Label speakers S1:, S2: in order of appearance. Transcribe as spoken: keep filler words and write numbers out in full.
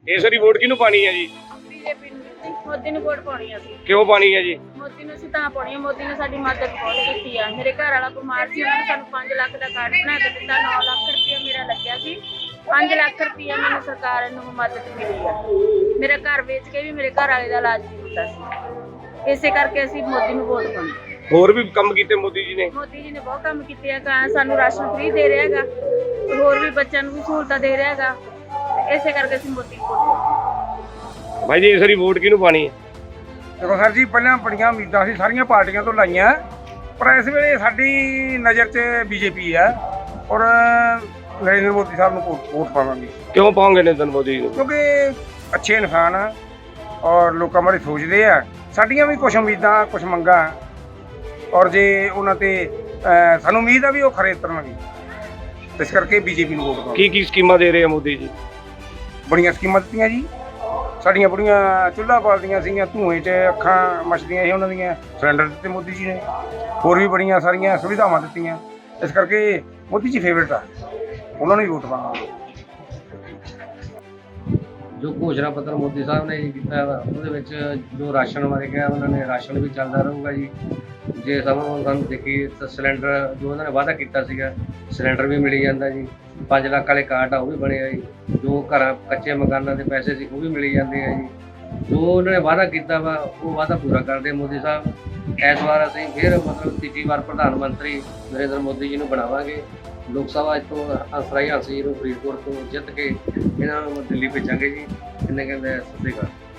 S1: ਇਸ ਵਾਰੀ ਵੋਟ ਕਿਹਨੂੰ ਪਾਣੀ ਹੈ ਜੀ?
S2: ਬੀਜੇਪੀ ਨੂੰ ਜੀ, ਮੋਦੀ ਨੂੰ ਵੋਟ ਪਾਉਣੀ ਆ ਅਸੀਂ।
S1: ਕਿਉਂ ਪਾਣੀ ਹੈ ਜੀ?
S2: ਮੋਦੀ ਨੂੰ ਅਸੀਂ ਤਾਂ ਪਾਉਣੀ ਆ, ਮੋਦੀ ਨੇ ਸਾਡੀ ਮਦਦ ਬਹੁਤ ਕੀਤੀ ਆ। ਮੇਰੇ ਘਰ ਵਾਲਾ ਬਿਮਾਰ ਸੀ, ਉਹਨਾਂ ਨੇ ਸਾਨੂੰ ਪੰਜ ਲੱਖ ਦਾ ਕਾਰਡ ਬਣਾ ਕੇ ਦਿੱਤਾ। ਨੌ ਲੱਖ ਰੁਪਇਆ ਮੇਰਾ ਲੱਗਿਆ ਸੀ, ਪੰਜ ਲੱਖ ਰੁਪਇਆ ਮੈਨੂੰ ਸਰਕਾਰ ਨੂੰ ਮਦਦ ਮਿਲੀ ਆ। ਮੇਰਾ ਘਰ ਵੇਚ ਕੇ ਵੀ ਮੇਰੇ ਘਰ ਵਾਲੇ ਦਾ ਇਲਾਜ ਨਹੀਂ ਹੁੰਦਾ ਸੀ। ਇਸੇ ਕਰਕੇ ਅਸੀਂ ਮੋਦੀ ਨੂੰ ਵੋਟ ਪਾਉਣੀ।
S1: ਹੋਰ ਵੀ ਕੰਮ ਕੀਤੇ ਮੋਦੀ ਜੀ ਨੇ?
S2: ਮੋਦੀ ਜੀ ਨੇ ਬਹੁਤ ਕੰਮ ਕੀਤੇ ਆ। ਕਾਂ ਸਾਨੂੰ ਰਾਸ਼ਨ ਫ੍ਰੀ ਦੇ ਰਿਹਾ ਹੈਗਾ, ਹੋਰ ਵੀ ਬੱਚਿਆਂ ਨੂੰ ਵੀ ਸਹੂਲਤਾਂ ਦੇ ਰਿਹਾ ਹੈਗਾ। ਇਸੇ ਕਰਕੇ ਅਸੀਂ ਮੋਦੀ ਨੂੰ ਵੋਟ ਪਾਉਣੀ।
S1: ਭਾਈ ਜੀ ਇਸ ਵਾਰੀ ਵੋਟ ਕਿਹਨੂੰ ਪਾਣੀ ਹੈ?
S3: ਦੇਖੋ ਸਰ ਜੀ, ਪਹਿਲਾਂ ਬੜੀਆਂ ਉਮੀਦਾਂ ਸੀ ਸਾਰੀਆਂ ਪਾਰਟੀਆਂ ਤੋਂ ਲਾਈਆਂ, ਪਰ ਇਸ ਵੇਲੇ ਸਾਡੀ ਨਜ਼ਰ 'ਚ ਬੀਜੇਪੀ ਹੈ ਔਰ ਨਰਿੰਦਰ ਮੋਦੀ ਸਾਹਿਬ ਨੂੰ ਵੋਟ ਵੋਟ ਪਾਵਾਂਗੇ।
S1: ਕਿਉਂ ਪਾਉਂਗੇ ਨਰਿੰਦਰ ਮੋਦੀ ਨੂੰ?
S3: ਕਿਉਂਕਿ ਅੱਛੇ ਇਨਸਾਨ ਆ ਔਰ ਲੋਕਾਂ ਬਾਰੇ ਸੋਚਦੇ ਆ। ਸਾਡੀਆਂ ਵੀ ਕੁਝ ਉਮੀਦਾਂ ਕੁਝ ਮੰਗਾਂ, ਔਰ ਜੇ ਉਹਨਾਂ 'ਤੇ ਸਾਨੂੰ ਉਮੀਦ ਆ ਵੀ ਉਹ ਖਰੇ ਉਤਰਨਗੇ, ਇਸ ਕਰਕੇ ਬੀਜੇਪੀ ਨੂੰ ਵੋਟ ਪਾਵਾਂਗੇ।
S1: ਕੀ ਕੀ ਸਕੀਮਾਂ ਦੇ ਰਹੇ ਆ ਮੋਦੀ ਜੀ?
S3: ਬੜੀਆਂ ਸਕੀਮਾਂ ਦਿੱਤੀਆਂ ਜੀ। ਸਾਡੀਆਂ ਬੁੜੀਆਂ ਚੁੱਲ੍ਹਾ ਬਾਲਦੀਆਂ ਸੀਗੀਆਂ, ਧੂਏ 'ਚ ਅੱਖਾਂ ਮੱਚਦੀਆਂ ਸੀ ਉਹਨਾਂ ਦੀਆਂ, ਸਿਲੰਡਰ ਦਿੱਤੇ ਮੋਦੀ ਜੀ ਨੇ। ਹੋਰ ਵੀ ਬੜੀਆਂ ਸਾਰੀਆਂ ਸੁਵਿਧਾਵਾਂ ਦਿੱਤੀਆਂ, ਇਸ ਕਰਕੇ ਮੋਦੀ ਜੀ ਫੇਵਰਟ ਆ, ਉਹਨਾਂ ਨੂੰ ਹੀ ਵੋਟ ਪਾਵਾਂਗੇ।
S4: ਜੋ ਘੋਸ਼ਣਾ ਪੱਤਰ ਮੋਦੀ ਸਾਹਿਬ ਨੇ ਜੀ ਕੀਤਾ ਵਾ, ਉਹਦੇ ਵਿੱਚ ਜੋ ਰਾਸ਼ਨ ਬਾਰੇ ਕਿਹਾ ਉਹਨਾਂ ਨੇ, ਰਾਸ਼ਨ ਵੀ ਚੱਲਦਾ ਰਹੂਗਾ ਜੀ। ਜੇ ਸਮਾਂ ਸਾਨੂੰ ਦੇਖੀਏ ਤਾਂ ਸਿਲੰਡਰ ਜੋ ਉਹਨਾਂ ਨੇ ਵਾਅਦਾ ਕੀਤਾ ਸੀਗਾ, ਸਿਲੰਡਰ ਵੀ ਮਿਲੀ ਜਾਂਦਾ ਜੀ। ਪੰਜ ਲੱਖ ਵਾਲੇ ਕਾਰਡ ਆ ਉਹ ਵੀ ਬਣੇ ਆ ਜੀ। ਜੋ ਘਰਾਂ ਕੱਚੇ ਮਕਾਨਾਂ ਦੇ ਪੈਸੇ ਸੀ ਉਹ ਵੀ ਮਿਲੀ ਜਾਂਦੇ ਆ ਜੀ। ਜੋ ਉਹਨਾਂ ਨੇ ਵਾਅਦਾ ਕੀਤਾ ਵਾ ਉਹ ਵਾਅਦਾ ਪੂਰਾ ਕਰਦੇ ਮੋਦੀ ਸਾਹਿਬ। ਇਸ ਵਾਰ ਅਸੀਂ ਫਿਰ ਮਤਲਬ ਤੀਜੀ ਵਾਰ ਪ੍ਰਧਾਨ ਮੰਤਰੀ ਨਰਿੰਦਰ ਮੋਦੀ ਜੀ ਨੂੰ ਬਣਾਵਾਂਗੇ। ਲੋਕ ਸਭਾ ਤੋਂ ਹੰਸਰਾਜ ਹੰਸ ਜੀ ਨੂੰ ਫਰੀਦਕੋਟ ਤੋਂ ਜਿੱਤ ਕੇ ਇਹਨਾਂ ਨੂੰ ਦਿੱਲੀ ਭੇਜਾਂਗੇ ਜੀ। ਇਹਨੇ ਕਹਿੰਦੇ ਸਤਿ ਸ਼੍ਰੀ ਅਕਾਲ।